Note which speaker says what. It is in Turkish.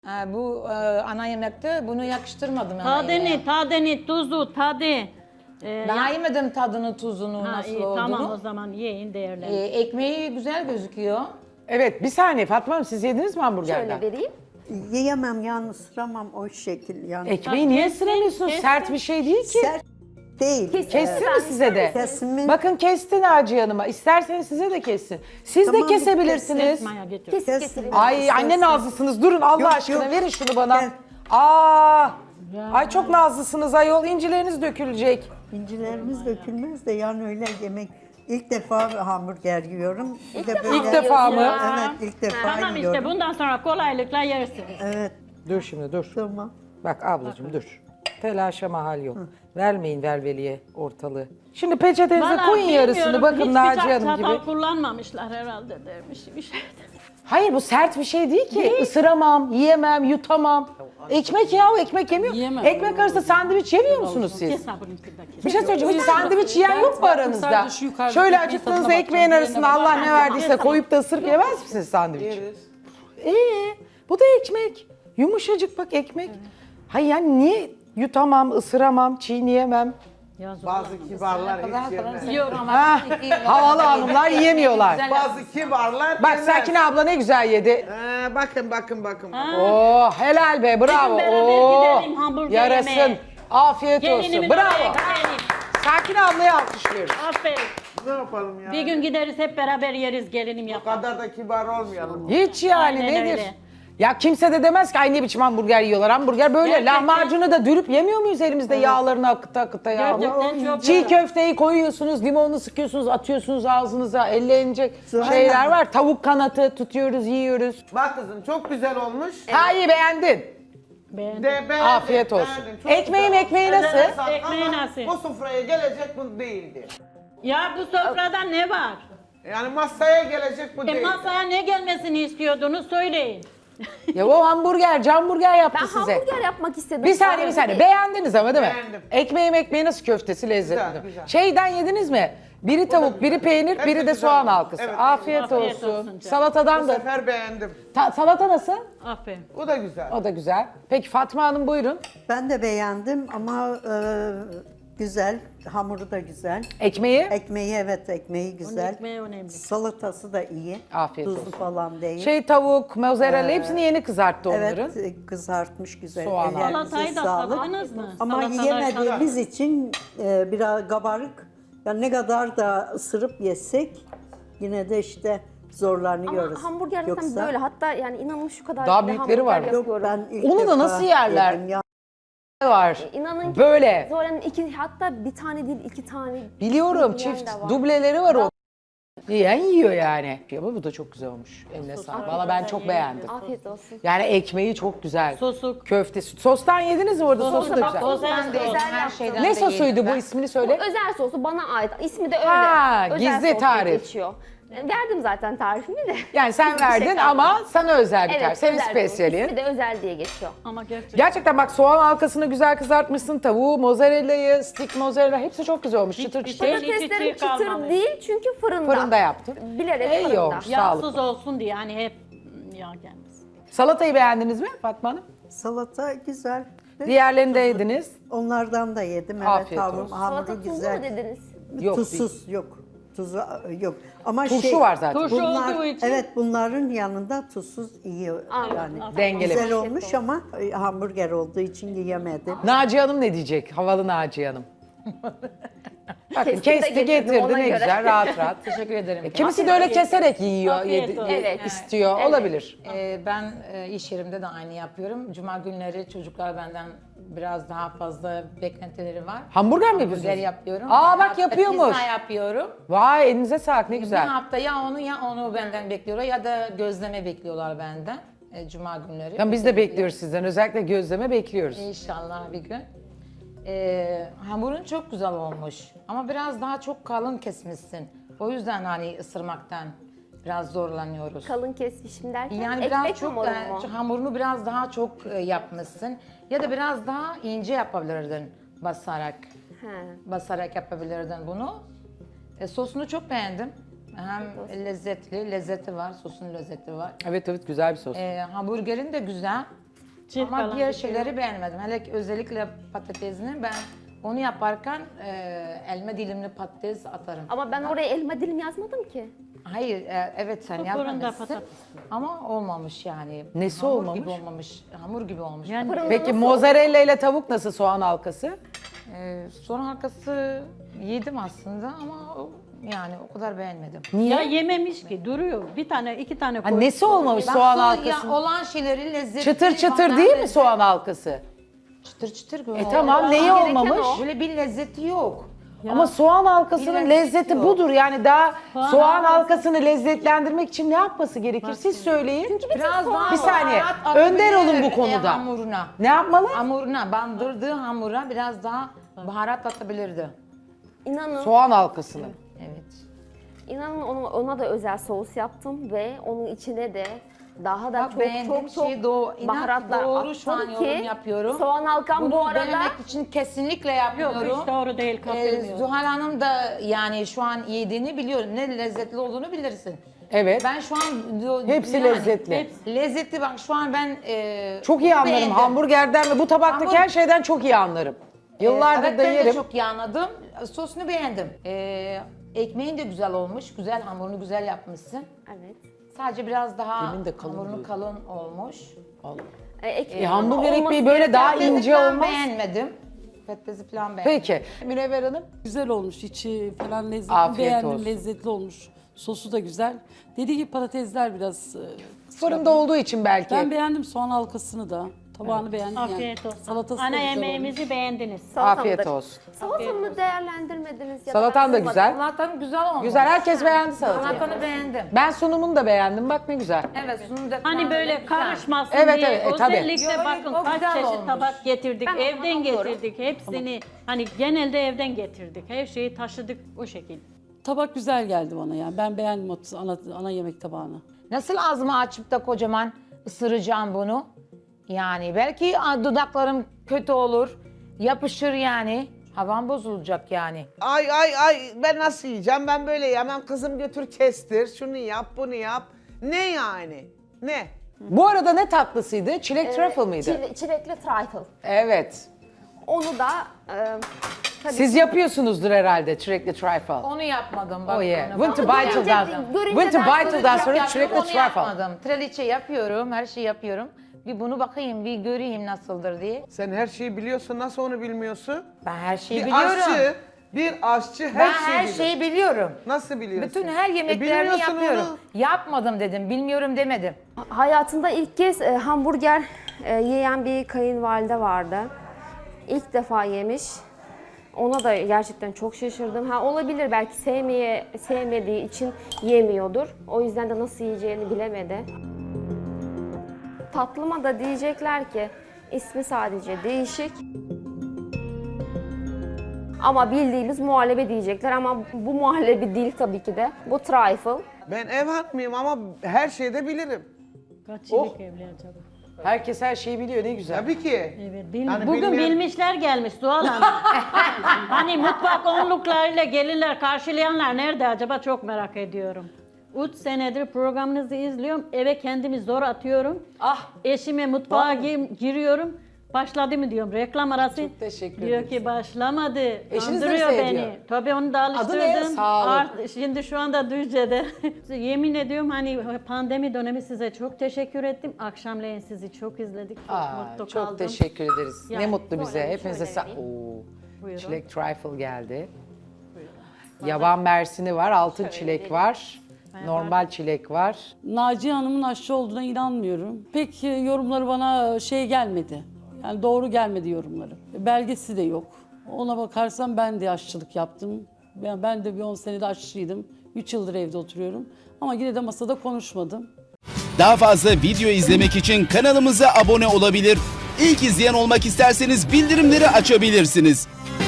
Speaker 1: Bu ana yemekte bunu yakıştırmadım.
Speaker 2: Tadını, tuzu, tadı.
Speaker 1: Daha yemedim tadını, tuzunu, nasıl
Speaker 2: iyi,
Speaker 1: olduğunu.
Speaker 2: tamam o zaman yiyin değerlendirin.
Speaker 1: Ekmeği güzel gözüküyor.
Speaker 3: Evet bir saniye Fatma Hanım siz yediniz mi hamburgerden?
Speaker 4: Şöyle vereyim.
Speaker 5: Yiyemem yani ısıramam o şekil yani.
Speaker 3: Ekmeği niye
Speaker 2: Kessin,
Speaker 3: ısıramıyorsunuz?
Speaker 2: kessin.
Speaker 3: Sert bir şey değil ki.
Speaker 5: Sert değil.
Speaker 3: Kessin mi size de?
Speaker 5: Kesimin
Speaker 3: Bakın kestin Naciye Hanım'a. İsterseniz size de kessin. Siz
Speaker 5: Tamam,
Speaker 3: de kesebilirsiniz.
Speaker 2: Maya getir.
Speaker 4: Kes
Speaker 5: kesin.
Speaker 4: getireyim.
Speaker 3: Ay anne nazlısınız. Durun Allah
Speaker 5: Yok,
Speaker 3: aşkına
Speaker 5: yok.
Speaker 3: verin şunu bana.
Speaker 5: Gel.
Speaker 3: Ay çok nazlısınız ayol. İncileriniz dökülecek.
Speaker 5: incilerimiz dökülmez de yani öyle yemek. İlk defa hamburger yiyorum. Bir de böyle.
Speaker 3: İlk defa mı?
Speaker 5: Evet ilk defa
Speaker 2: Tamam
Speaker 5: yiyorum.
Speaker 2: işte bundan sonra kolaylıkla yersiniz.
Speaker 5: Evet
Speaker 3: Dur şimdi dur.
Speaker 5: tamam.
Speaker 3: Bak ablacığım dur. Telaşa mahal yok. Vermeyin velveliye ortalığı. Şimdi peçetenize
Speaker 2: Vallahi
Speaker 3: koyun yarısını.
Speaker 2: bilmiyorum,
Speaker 3: Bakın
Speaker 2: hiç
Speaker 3: Naciye
Speaker 2: bıçak,
Speaker 3: Hanım gibi.
Speaker 2: çatal kullanmamışlar herhalde dermiş bir şey.
Speaker 3: Hayır bu sert bir şey değil ki. Isıramam, yiyemem, yutamam. Ekmek ya o ekmek yemiyor.
Speaker 2: Yiyemem.
Speaker 3: Ekmek arası sandviç yemiyor musunuz siz?
Speaker 2: Kes sabırınki.
Speaker 3: Bir şey söyleyeceğim. Hiç sandviç yiyen yok mu aranızda?
Speaker 6: sadece şu yukarıdaki
Speaker 3: Şöyle
Speaker 6: ekmeğin
Speaker 3: acıktığınızda
Speaker 6: tadına
Speaker 3: ekmeğin
Speaker 6: bakacağım,
Speaker 3: arasına
Speaker 6: diğerine
Speaker 3: Allah ne
Speaker 2: bakacağım.
Speaker 3: verdiyse koyup da ısırıp yemez misiniz sandviç?
Speaker 6: Yeriz.
Speaker 3: Bu da ekmek. Yumuşacık bak ekmek. Hayır yani niye yutamam, ısıramam, çiğneyemem?
Speaker 7: Bazı kibarlar hiç yemez.
Speaker 2: Yok ama
Speaker 3: Ha, havalı hanımlar yiyemiyorlar.
Speaker 7: Bazı kibarlar
Speaker 3: Bak
Speaker 7: yemez.
Speaker 3: Sakine abla ne güzel yedi.
Speaker 7: Bakın.
Speaker 3: Oo helal be bravo.
Speaker 2: Hadi beraber
Speaker 3: Oo,
Speaker 2: gidelim hamburger
Speaker 3: yarasın.
Speaker 2: yemeye.
Speaker 3: Afiyet olsun.
Speaker 2: Gelinimin
Speaker 3: Bravo.
Speaker 2: oraya gidelim.
Speaker 3: Sakine ablayı alkışlıyoruz.
Speaker 2: Aferin.
Speaker 7: Ne yapalım ya?
Speaker 2: Bir gün gideriz hep beraber yeriz gelinim
Speaker 7: O
Speaker 2: yapar.
Speaker 7: kadar da kibar olmayalım.
Speaker 3: Hiç yani
Speaker 2: Aynen
Speaker 3: nedir?
Speaker 2: öyle.
Speaker 3: Ya kimse de demez ki ay ne biçim hamburger yiyorlar. Hamburger böyle.
Speaker 2: Gerçekten.
Speaker 3: Lahmacunu da dürüp yemiyor muyuz elimizde yağlarını akıta akıta ya?
Speaker 2: Gerçekten çok
Speaker 3: Çiğ
Speaker 2: güzel.
Speaker 3: köfteyi koyuyorsunuz, limonunu sıkıyorsunuz, atıyorsunuz ağzınıza, ellenecek
Speaker 5: Aynen.
Speaker 3: şeyler var. Tavuk kanatı tutuyoruz, yiyoruz.
Speaker 7: Bak kızım çok güzel olmuş.
Speaker 3: Ha iyi beğendin.
Speaker 2: Beğendim.
Speaker 7: Beğendim,
Speaker 3: Afiyet olsun.
Speaker 7: beğendim. Çok
Speaker 3: Ekmeğim
Speaker 7: güzel
Speaker 3: ekmeği
Speaker 7: olmuş.
Speaker 3: nasıl?
Speaker 7: Ellerine sağlık
Speaker 2: Ekmeği
Speaker 7: ama
Speaker 2: nasıl?
Speaker 7: Bu sofraya gelecek bu değildi.
Speaker 2: Ya bu sofrada ne var?
Speaker 7: Yani masaya gelecek bu değildi.
Speaker 2: Masaya ne gelmesini istiyordunuz söyleyin.
Speaker 3: Ya o hamburger yaptı
Speaker 4: Ben
Speaker 3: size.
Speaker 4: hamburger yapmak istedim.
Speaker 3: Bir saniye. Beğendiniz ama değil mi?
Speaker 7: Beğendim.
Speaker 3: Ekmeği nasıl köftesi lezzetli.
Speaker 7: Güzel, güzel.
Speaker 3: Şeyden yediniz mi? Biri tavuk, biri peynir,
Speaker 7: Hepsi
Speaker 3: biri de
Speaker 7: güzel
Speaker 3: soğan
Speaker 7: oldu.
Speaker 3: halkası.
Speaker 7: Evet,
Speaker 3: Afiyet
Speaker 2: afiyet
Speaker 3: olsun.
Speaker 2: olsun canım.
Speaker 3: Salatadan
Speaker 7: Bu
Speaker 3: da.
Speaker 7: sefer beğendim.
Speaker 3: Salata nasıl?
Speaker 2: Aferin.
Speaker 7: Bu da güzel.
Speaker 3: O da güzel. Peki Fatma Hanım buyurun.
Speaker 5: Ben de beğendim ama güzel. Hamuru da güzel.
Speaker 3: Ekmeği?
Speaker 5: Ekmeği evet ekmeği
Speaker 2: Onun
Speaker 5: güzel.
Speaker 2: ekmeği önemli.
Speaker 5: Salatası da iyi.
Speaker 3: Afiyet
Speaker 5: Tuzlu
Speaker 3: olsun.
Speaker 5: falan değil.
Speaker 3: Tavuk, mozzarella hepsini yeni kızarttı onların.
Speaker 5: Evet kızartmış güzel.
Speaker 3: Soğan
Speaker 5: Ellerinize
Speaker 2: Salatayı da
Speaker 5: sağlık.
Speaker 2: tadınız mı?
Speaker 5: Ama
Speaker 2: Salatalar
Speaker 5: yiyemediğimiz için biraz kabarık. Yani ne kadar da ısırıp yesek yine de işte zorlanıyoruz.
Speaker 4: Ama hamburger zaten böyle. Hatta yani inanın şu kadar
Speaker 3: Daha
Speaker 4: bile
Speaker 3: büyükleri var.
Speaker 4: hamburger
Speaker 5: Yok
Speaker 4: yapıyorum.
Speaker 5: ben ilk
Speaker 3: Onu da
Speaker 5: defa
Speaker 3: nasıl yerler?
Speaker 5: yedim ya.
Speaker 3: Var.
Speaker 4: İnanın ki
Speaker 3: Böyle.
Speaker 4: Zoran'ın hatta bir tane değil 2 tane.
Speaker 3: Biliyorum
Speaker 4: yiyen
Speaker 3: çift
Speaker 4: de var.
Speaker 3: dubleleri var o. Yiyen yiyor yani. Ama bu da çok güzel olmuş. Eline sağlık. Valla ben çok beğendim.
Speaker 4: Afiyet olsun.
Speaker 3: Yani ekmeği çok güzel.
Speaker 2: Sosu.
Speaker 3: Köftesi. Sostan yediniz mi orada? Sosu da güzel.
Speaker 1: Ben de yedim, her şeyden
Speaker 3: Ne
Speaker 1: de
Speaker 3: sosuydu
Speaker 1: yedim
Speaker 3: bu
Speaker 1: ben.
Speaker 3: ismini
Speaker 4: Bu
Speaker 3: söyle.
Speaker 4: özel sosu bana ait. İsmi de öyle.
Speaker 3: Ha,
Speaker 4: özel
Speaker 3: gizli
Speaker 4: sos diye
Speaker 3: tarif.
Speaker 4: geçiyor. Verdim zaten tarifimi de.
Speaker 3: Yani sen
Speaker 4: Bir şey
Speaker 3: verdin
Speaker 4: kalmadı.
Speaker 3: ama sana özel bir tarif.
Speaker 4: Evet,
Speaker 3: Senin
Speaker 4: özel sos.
Speaker 3: spesiyalin.
Speaker 4: İsmi de özel diye geçiyor.
Speaker 2: Ama gerçekten.
Speaker 3: Gerçekten bak soğan halkasını güzel kızartmışsın. Tavuğu, mozzarella'yı, stick mozzarella hepsi çok güzel olmuş. Çıtır çıtır.
Speaker 2: şey-
Speaker 4: Patateslerim
Speaker 2: çiğ kalmamış.
Speaker 4: çıtır değil çünkü fırında.
Speaker 3: Fırında yaptın.
Speaker 4: Bilerek
Speaker 3: İyi
Speaker 4: fırında.
Speaker 3: olmuş.
Speaker 2: Yağsız
Speaker 3: Sağlıklı.
Speaker 2: olsun diye hani hep yağ gelmesin.
Speaker 3: Salatayı beğendiniz mi Fatma Hanım?
Speaker 5: Salata güzel.
Speaker 3: Diğerlerini de yediniz.
Speaker 5: Onlardan da yedim. Evet
Speaker 3: Afiyet
Speaker 5: hamuru,
Speaker 3: olsun.
Speaker 5: hamuru
Speaker 4: Salata tuzlu mu
Speaker 5: güzel.
Speaker 4: dediniz?
Speaker 3: Yok,
Speaker 5: Tuzsuz yok. Tuzu yok. Ama
Speaker 3: Turşu var zaten.
Speaker 2: Turşu olduğu için.
Speaker 5: Evet bunların yanında tuzsuz iyi yani.
Speaker 3: Dengelemiş.
Speaker 5: Güzel olmuş ama hamburger olduğu için yiyemedim.
Speaker 3: Naciye Hanım ne diyecek? Havalı Naciye Hanım. Bakın
Speaker 4: Kestim de
Speaker 3: kesti
Speaker 4: getirdim,
Speaker 3: getirdi
Speaker 4: ona
Speaker 3: ne
Speaker 4: göre.
Speaker 3: güzel rahat rahat.
Speaker 1: Teşekkür ederim.
Speaker 3: Kimisi de öyle keserek yiyor,
Speaker 2: Afiyet olsun.
Speaker 4: Evet.
Speaker 3: istiyor.
Speaker 4: Evet.
Speaker 3: Olabilir.
Speaker 1: Ben iş yerimde de aynı yapıyorum. Cuma günleri çocuklar benden biraz daha fazla beklentileri var.
Speaker 3: Hamburger mi
Speaker 1: Hamburger
Speaker 3: yapıyorsunuz?
Speaker 1: yapıyorum.
Speaker 3: Aa,
Speaker 1: Bir
Speaker 3: bak
Speaker 1: hafta
Speaker 3: yapıyormuş.
Speaker 1: Pizza yapıyorum.
Speaker 3: Vay elinize sağlık ne
Speaker 1: Bir
Speaker 3: güzel.
Speaker 1: hafta ya onu benden bekliyorlar ya da gözleme bekliyorlar benden. Cuma günleri.
Speaker 3: Tamam biz de bekliyoruz sizden. Özellikle gözleme bekliyoruz.
Speaker 1: İnşallah bir gün. Hamurun çok güzel olmuş ama biraz daha çok kalın kesmişsin. O yüzden hani ısırmaktan biraz zorlanıyoruz.
Speaker 4: Kalın kesmişim derken
Speaker 1: Yani
Speaker 4: ekmek
Speaker 1: biraz çok
Speaker 4: hamuru mu?
Speaker 1: hamurunu biraz daha çok yapmışsın ya da biraz daha ince yapabilirdin basarak.
Speaker 4: He.
Speaker 1: Basarak yapabilirdin bunu. Sosunu çok beğendim. Hem lezzeti var, sosun lezzeti var.
Speaker 3: Evet güzel bir sos.
Speaker 1: Hamburgerin de güzel.
Speaker 2: Çiğ
Speaker 1: Ama
Speaker 2: falan
Speaker 1: diğer
Speaker 2: gidiyor.
Speaker 1: şeyleri beğenmedim. Hele ki özellikle patatesini ben onu yaparken elma dilimli patates atarım.
Speaker 4: Ama ben oraya elma dilim yazmadım ki.
Speaker 1: Hayır, evet sen
Speaker 2: Bu fırında
Speaker 1: yapmamışsın
Speaker 2: patates.
Speaker 1: ama olmamış yani.
Speaker 3: Nesi
Speaker 1: Hamur
Speaker 3: olmamış?
Speaker 1: gibi olmamış, hamur gibi olmuş.
Speaker 2: Yani
Speaker 4: Fırında
Speaker 3: Peki
Speaker 4: nasıl?
Speaker 3: mozzarella ile tavuk nasıl, soğan halkası?
Speaker 1: Son halkası yedim aslında ama yani o kadar beğenmedim.
Speaker 3: Niye?
Speaker 2: ya yememiş ki duruyor. Bir tane, iki tane
Speaker 3: Ha,
Speaker 2: koy.
Speaker 3: nesi olmamış soğan halkası?
Speaker 1: olan şeyleri lezzetli.
Speaker 3: Çıtır çıtır
Speaker 1: bana
Speaker 3: değil mi
Speaker 1: lezzet-
Speaker 3: soğan halkası?
Speaker 1: Çıtır çıtır.
Speaker 3: Tamam, neyi
Speaker 4: gereken
Speaker 3: olmamış?
Speaker 4: o.
Speaker 1: Böyle bir lezzeti yok.
Speaker 3: Ama soğan halkasının
Speaker 1: Bir
Speaker 3: lezzeti
Speaker 1: lezzeti yok.
Speaker 3: budur. Yani daha
Speaker 2: Soğan
Speaker 3: soğan
Speaker 2: halkası-
Speaker 3: halkasını lezzetlendirmek için ne yapması gerekir? Siz söyleyin.
Speaker 1: Biraz daha
Speaker 3: Bir saniye,
Speaker 1: baharat
Speaker 3: önder olun
Speaker 1: atabilir,
Speaker 3: bu konuda.
Speaker 1: Hamuruna.
Speaker 3: Ne yapmalı?
Speaker 1: Hamuruna, bandırdığı hamura biraz daha baharat atabilirdi.
Speaker 4: İnanın,
Speaker 3: Soğan halkasını.
Speaker 1: Evet.
Speaker 4: inanın ona da özel sos yaptım ve onun içine de daha da
Speaker 1: Bak, beğendiğim
Speaker 4: çok
Speaker 1: şeyi inan ki
Speaker 4: baharatlar
Speaker 1: doğru şu an
Speaker 4: attım
Speaker 1: yorum
Speaker 4: ki
Speaker 1: yapıyorum.
Speaker 4: soğan halkam
Speaker 1: Bunu
Speaker 4: bu arada
Speaker 1: denemek için kesinlikle
Speaker 2: Yok
Speaker 1: yapmıyorum.
Speaker 2: hiç doğru değil, katılmıyorum.
Speaker 1: Zuhal Hanım da yani şu an yediğini biliyorum. Ne lezzetli olduğunu bilirsin.
Speaker 3: Evet.
Speaker 1: Ben şu an
Speaker 3: Hepsi lezzetli.
Speaker 1: Lezzetli bak şu an ben
Speaker 3: Çok iyi anlarım.
Speaker 1: beğendim.
Speaker 3: Hamburgerden ve bu tabaktaki
Speaker 1: Hamur-
Speaker 3: her şeyden çok iyi anlarım. Yıllardır
Speaker 1: evet,
Speaker 3: da
Speaker 1: ben de
Speaker 3: yerim.
Speaker 1: çok iyi anladım. Sosunu beğendim. Ekmeğin de güzel olmuş. Güzel hamurunu güzel yapmışsın.
Speaker 4: evet.
Speaker 1: Sadece biraz daha
Speaker 3: Demin de kalın
Speaker 1: hamurunu
Speaker 3: diyordun.
Speaker 1: kalın olmuş.
Speaker 3: Hamburger
Speaker 4: olması
Speaker 3: ekmeği böyle daha
Speaker 1: Patatesi
Speaker 3: ince
Speaker 1: falan
Speaker 3: olmaz.
Speaker 1: beğenmedim. Patatesi falan beğenmedim.
Speaker 3: Peki. Münevver Hanım.
Speaker 6: Güzel olmuş, içi falan lezzetli.
Speaker 3: Afiyet
Speaker 6: Beğendim,
Speaker 3: olsun.
Speaker 6: lezzetli olmuş. Sosu da güzel. Dediği gibi patatesler biraz...
Speaker 3: Fırında olduğu için belki.
Speaker 6: Ben beğendim soğan halkasını da. Tabağını beğendim
Speaker 2: Afiyet
Speaker 6: yani.
Speaker 2: olsun.
Speaker 6: Salatası da
Speaker 2: Ana
Speaker 6: güzel
Speaker 2: yemeğimizi beğendiniz.
Speaker 3: Afiyet olsun.
Speaker 4: Salatamı değerlendirmediniz ya
Speaker 3: Salatan da
Speaker 4: ben
Speaker 3: güzel.
Speaker 1: Salatanın güzel olmuş.
Speaker 3: Güzel, herkes beğendi salatayı.
Speaker 1: Salatanı beğendim.
Speaker 3: Ben sunumunu da beğendim. Bak ne güzel.
Speaker 1: Evet sunum da
Speaker 2: Hani
Speaker 1: falan
Speaker 2: böyle
Speaker 1: güzel.
Speaker 2: karışmasın
Speaker 3: Evet,
Speaker 2: diye
Speaker 3: evet, tabii.
Speaker 2: özellikle
Speaker 1: Yok,
Speaker 2: bakın
Speaker 1: o
Speaker 2: kaç
Speaker 1: güzel
Speaker 2: çeşit
Speaker 1: olmuş.
Speaker 2: tabak getirdik,
Speaker 4: Ben ona
Speaker 2: evden
Speaker 4: anlıyorum.
Speaker 2: getirdik hepsini. Hani genelde evden getirdik, her şeyi taşıdık o şekilde.
Speaker 6: Tabak güzel geldi bana yani. Ben beğendim o ana yemek tabağını.
Speaker 1: Nasıl ağzımı açıp da kocaman ısıracağım bunu? Yani belki dudaklarım kötü olur. Yapışır yani. Havam bozulacak yani.
Speaker 7: Ay ben nasıl yiyeceğim? Ben böyle yemem. Kızım götür kestir. Şunu yap, bunu yap. Ne yani? Ne?
Speaker 3: Bu arada ne tatlısıydı? Çilek truffle mıydı?
Speaker 4: Çilekli trifle.
Speaker 3: Evet.
Speaker 4: Onu da tabii
Speaker 3: Siz yapıyorsunuzdur herhalde çilekli trifle.
Speaker 1: Onu yapmadım. Bak
Speaker 3: Oh yeah.
Speaker 1: onu.
Speaker 3: Winter
Speaker 4: Ama
Speaker 3: Beitel'dan.
Speaker 4: görünce
Speaker 3: Winter
Speaker 4: ben
Speaker 3: Beitel'dan
Speaker 1: Çok
Speaker 3: sonra
Speaker 1: yaptım,
Speaker 3: çilekli
Speaker 1: onu
Speaker 3: trifle.
Speaker 1: yapmadım. Traliçe yapıyorum, her şeyi yapıyorum. Bir bunu bakayım, bir göreyim nasıldır diye.
Speaker 7: Sen her şeyi biliyorsun. Nasıl onu bilmiyorsun?
Speaker 1: Ben her şeyi
Speaker 7: Bir
Speaker 1: biliyorum.
Speaker 7: aşçı her
Speaker 1: Ben
Speaker 7: şeyi
Speaker 1: her
Speaker 7: bilir.
Speaker 1: şeyi biliyorum.
Speaker 7: Nasıl biliyorsun?
Speaker 1: Bütün her yemeklerini
Speaker 7: bilmiyorsun
Speaker 1: yapıyorum.
Speaker 7: onu.
Speaker 1: Yapmadım dedim, bilmiyorum demedim.
Speaker 4: hayatında ilk kez hamburger yiyen bir kayınvalide vardı. İlk defa yemiş. Ona da gerçekten çok şaşırdım. Ha olabilir belki sevmediği için yemiyordur. O yüzden de nasıl yiyeceğini bilemedi. Tatlıma da diyecekler ki ismi sadece değişik. Ama bildiğimiz muhallebi diyecekler ama bu muhallebi değil tabii ki de. Bu trifle.
Speaker 7: Ben ev hanımıyım ama her şeyde bilirim.
Speaker 2: Kaç
Speaker 7: Oh.
Speaker 2: yıllık evli acaba?
Speaker 3: Herkes her şeyi biliyor, ne güzel.
Speaker 7: Tabii ki.
Speaker 2: Evet,
Speaker 7: Yani
Speaker 2: bugün
Speaker 7: bilmeyen-
Speaker 2: bilmişler gelmiş Doğal Hanım. Hani mutfak onluklarıyla gelinler, karşılayanlar nerede acaba çok merak ediyorum. 3 senedir programınızı izliyorum. Eve kendimi zor atıyorum.
Speaker 3: Ah.
Speaker 2: Eşime mutfağa giriyorum. Başladı mı diyorum reklam arası.
Speaker 3: Çok teşekkür
Speaker 2: Diyor
Speaker 3: ederiz.
Speaker 2: ki başlamadı.
Speaker 3: Eşiniz de mi
Speaker 2: Kandırıyor
Speaker 3: seyrediyor?
Speaker 2: beni. Tabii onu da
Speaker 3: Adı ne?
Speaker 2: alıştırdım.
Speaker 3: Sağ olun.
Speaker 2: Şimdi şu anda Düzce'de. Yemin ediyorum hani pandemi dönemi size çok teşekkür ettim. Akşamleyin sizi çok izledik. Çok mutlu
Speaker 3: Çok
Speaker 2: kaldım.
Speaker 3: teşekkür ederiz. Ne
Speaker 2: Yani
Speaker 3: mutlu bize.
Speaker 4: şöyle
Speaker 3: Hepinize
Speaker 4: vereyim.
Speaker 2: Buyurun.
Speaker 3: Çilek trifle geldi. Yaban mersini var, altın çilek var. Normal çilek var.
Speaker 6: Naciye Hanım'ın aşçı olduğuna inanmıyorum. Pek yorumları bana gelmedi. Yani doğru gelmedi yorumları. Belgesi de yok. Ona bakarsam ben de aşçılık yaptım. Ben de bir 10 senede aşçıydım. 3 yıldır evde oturuyorum. Ama yine de masada konuşmadım.
Speaker 8: Daha fazla video izlemek için kanalımıza abone olabilir. İlk izleyen olmak isterseniz bildirimleri açabilirsiniz.